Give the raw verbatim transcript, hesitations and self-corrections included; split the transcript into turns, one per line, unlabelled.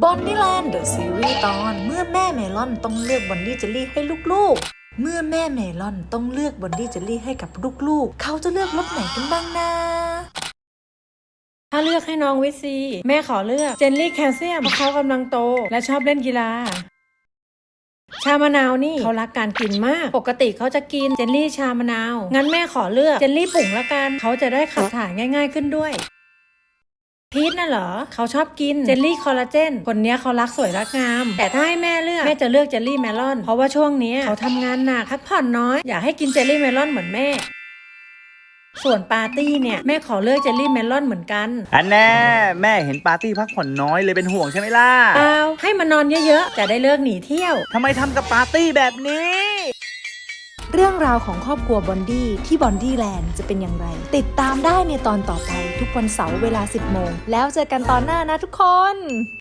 บอนดี้แลนด์เดอะซีรีส์ตอนเมื่อแม่เมลอนต้องเลือกบอนดี้เจลลี่ให้ลูกๆเมื่อแม่เมลอนต้องเลือกบอนดี้เจลลี่ให้กับลูกๆเขาจะเลือกรสไหนกันบ้างนะ
ถ้าเลือกให้น้องวิซีแม่ขอเลือกเจลลี่แคลเซียมเพราะเขากำลังโตและชอบเล่นกีฬาชามะนาวนี่เขารักการกินมากปกติเขาจะกินเจลลี่ชามะนาวงั้นแม่ขอเลือกเจลลี่ปุ่งละกันเขาจะได้ขับถ่ายง่ายๆขึ้นด้วยพีทน่ะเหรอเขาชอบกินเจลลี่คอลลาเจนคนนี้เขารักสวยรักงามแต่ถ้าให้แม่เลือกแม่จะเลือกเจลลี่เมลอนเพราะว่าช่วงนี้เขาทำงานหนักพักผ่อนน้อยอยากให้กินเจลลี่เมลอนเหมือนแม่ส่วนปาร์ตี้เนี่ยแม่ขอเลือกเจลลี่เมลอนเหมือนกัน
อันแน่แม่เห็นปาร์ตี้พักผ่อนน้อยเลยเป็นห่วงใช่ไหมล่ะ
เปล่าให้มันนอนเยอะๆจะได้เลิกหนีเที่ยว
ทำไมทำกับปาร์ตี้แบบนี้
เรื่องราวของครอบครัวบอนดี้ที่บอนดี้แลนด์จะเป็นอย่างไรติดตามได้ในตอนต่อไปทุกวันเสาร์เวลาสิบโมงแล้วเจอกันตอนหน้านะทุกคน